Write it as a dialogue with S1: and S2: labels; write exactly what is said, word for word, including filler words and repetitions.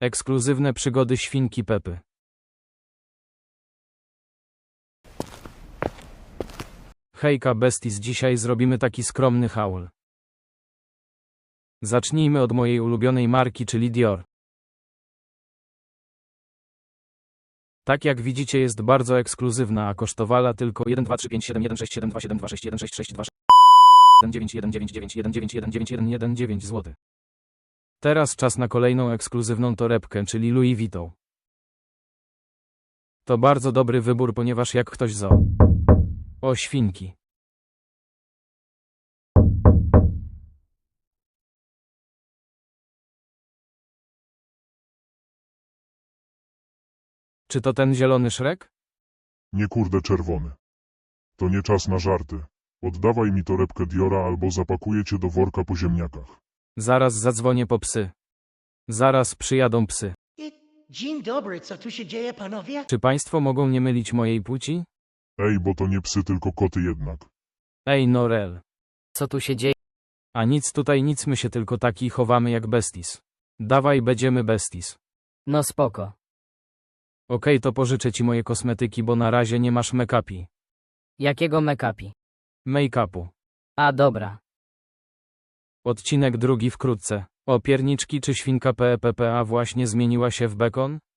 S1: Ekskluzywne przygody świnki Pepy. Hejka besties, dzisiaj zrobimy taki skromny haul. Zacznijmy od mojej ulubionej marki, czyli Dior. Tak jak widzicie, jest bardzo ekskluzywna, a kosztowała tylko jeden dwa trzy pięć siedem jeden sześć siedem dwa siedem dwa sześć jeden sześć sześć dwa jeden dziewięć jeden dziewięć dziewięć jeden dziewięć jeden dziewięć jeden jeden dziewięć złotych. Teraz czas na kolejną ekskluzywną torebkę, czyli Louis Vuitton. To bardzo dobry wybór, ponieważ jak ktoś zo. O świnki. Czy to ten zielony Shrek?
S2: Nie kurde czerwony. To nie czas na żarty. Oddawaj mi torebkę Diora albo zapakuję cię do worka po ziemniakach.
S1: Zaraz zadzwonię po psy. Zaraz przyjadą psy.
S3: Dzień dobry, co tu się dzieje, panowie?
S1: Czy państwo mogą nie mylić mojej płci?
S2: Ej, bo to nie psy, tylko koty jednak.
S1: Ej Norel.
S4: Co tu się dzieje?
S1: A nic tutaj nic, my się tylko taki chowamy jak besties. Dawaj, będziemy besties.
S4: No spoko.
S1: Okej, to pożyczę ci moje kosmetyki, bo na razie nie masz make-upi.
S4: Jakiego make-upi?
S1: Make-upu.
S4: A dobra.
S1: Odcinek drugi wkrótce. O pierniczki, czy świnka P P P A właśnie zmieniła się w bekon?